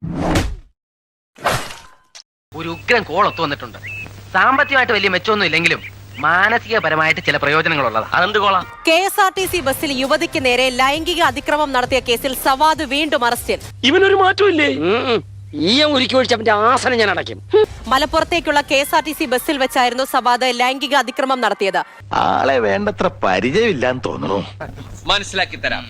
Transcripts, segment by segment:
ഒരു ഉഗ്രൻ കോളൊത്തു വന്നിട്ടുണ്ട്. സാമ്പത്തികമായിട്ട് വലിയ മെച്ചമൊന്നും ഇല്ലെങ്കിലും മാനസികപരമായിട്ട് ചില പ്രയോജനങ്ങളുള്ളത്. അതെന്ത് കോളാ? KSRTC ബസ്സിൽ യുവതിക്ക് നേരെ ലൈംഗിക അതിക്രമം നടത്തിയ കേസിൽ സവാദ് വീണ്ടും അറസ്റ്റിൽ. ഇവനൊരു മാറ്റമില്ലേ? ആസനം ഞാൻ അടയ്ക്കും. മലപ്പുറത്തേക്കുള്ള KSRTC ബസ്സിൽ വെച്ചായിരുന്നു സവാദ് ലൈംഗിക അതിക്രമം നടത്തിയത്. ആളെ വേണ്ടത്ര പരിചയമില്ലാന്ന് തോന്നുന്നു. മനസ്സിലാക്കി തരാം.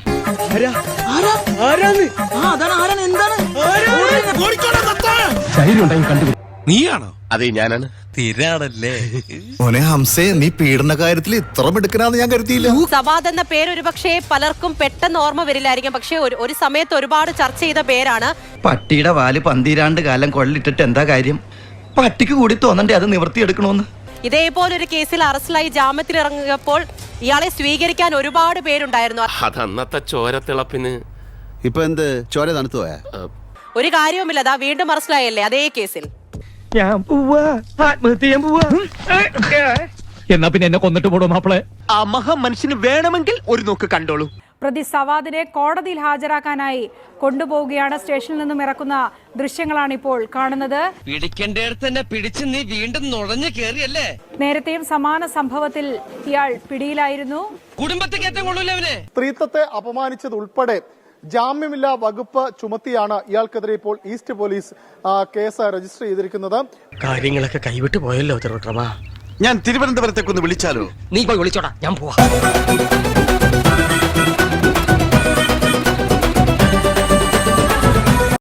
നീയാണോ? അതെ, ഞാനാണ്. തിരാണല്ലേ മോനെ ഹംസേ, നീ പീഡന കാര്യത്തിൽ ഇത്ര മിടുക്കനാന്ന് ഞാൻ കരുതിയില്ല. സവാദ് എന്ന പേര് ഒരുപക്ഷെ പലർക്കും പെട്ടെന്ന് ഓർമ്മ വരില്ലായിരിക്കും. പക്ഷെ ഒരു സമയത്ത് ഒരുപാട് ചർച്ച ചെയ്ത പേരാണ്. പട്ടിയുടെ വാല് 12 കാലം കൊള്ളിട്ടിട്ട് എന്താ കാര്യം? പട്ടിക്ക് കൂടി തോന്നണ്ടേ അത് നിവർത്തിയെടുക്കണോന്ന്? ഇതേപോലൊരു കേസിൽ അറസ്റ്റിലായി ജാമ്യത്തിൽ ഇറങ്ങിയപ്പോൾ ഇയാളെ സ്വീകരിക്കാൻ ഒരുപാട് പേരുണ്ടായിരുന്നു. അതന്നത്തെ ചോരത്തിളപ്പിന്. ഇപ്പൊ എന്ത് ചോര തണുത്തു പോയാ? ഒരു കാര്യവുമില്ല, അതാ വീണ്ടും അറസ്റ്റിലായല്ലേ അതേ കേസിൽ. ഞാൻ പോവാ, ആത്മഹത്യ ചെയ്യാൻ പോവാ. എന്നാ പിന്നെ എന്നെ കൊന്നിട്ട് പോടോ മാപ്പിളെ. ആ മഹാ മനുഷ്യന് വേണമെങ്കിൽ ഒരു നോക്ക് കണ്ടോളൂ. പ്രതി സവാദിനെ കോടതിയിൽ ഹാജരാക്കാനായി കൊണ്ടുപോവുകയാണ്. സ്റ്റേഷനിൽ നിന്നും ഇറക്കുന്ന ദൃശ്യങ്ങളാണ് ഇപ്പോൾ കാണുന്നത്. പിടിക്കേണ്ടടുത്ത് തന്നെ പിടിച്ച് നീ വീണ്ടും നുഴഞ്ഞു കേറിയല്ലേ? നേരത്തെയും സമാന സംഭവത്തിൽ ഇയാൾ പിടിയിലായിരുന്നു. കുടുംബത്തെ കയറ്റം കൊള്ളൂലവനെ. സ്ത്രീത്വത്തെ അപമാനിച്ചത് ഉൾപ്പെടെ ജാമ്യമില്ലാ വകുപ്പ് ചുമത്തിയാണ് ഇയാൾക്കെതിരെ ഇപ്പോൾ ഈസ്റ്റ് പോലീസ് കേസ് രജിസ്റ്റർ ചെയ്തിരിക്കുന്നത്. കാര്യങ്ങളൊക്കെ കൈവിട്ട് പോയല്ലോ തിരുവട്ടമാ. ഞാൻ തിരുവനന്തപുരത്തേക്കൊന്ന് വിളിച്ചാലോ? നീ പോയി വിളിച്ചോടാ, ഞാൻ പോവാ.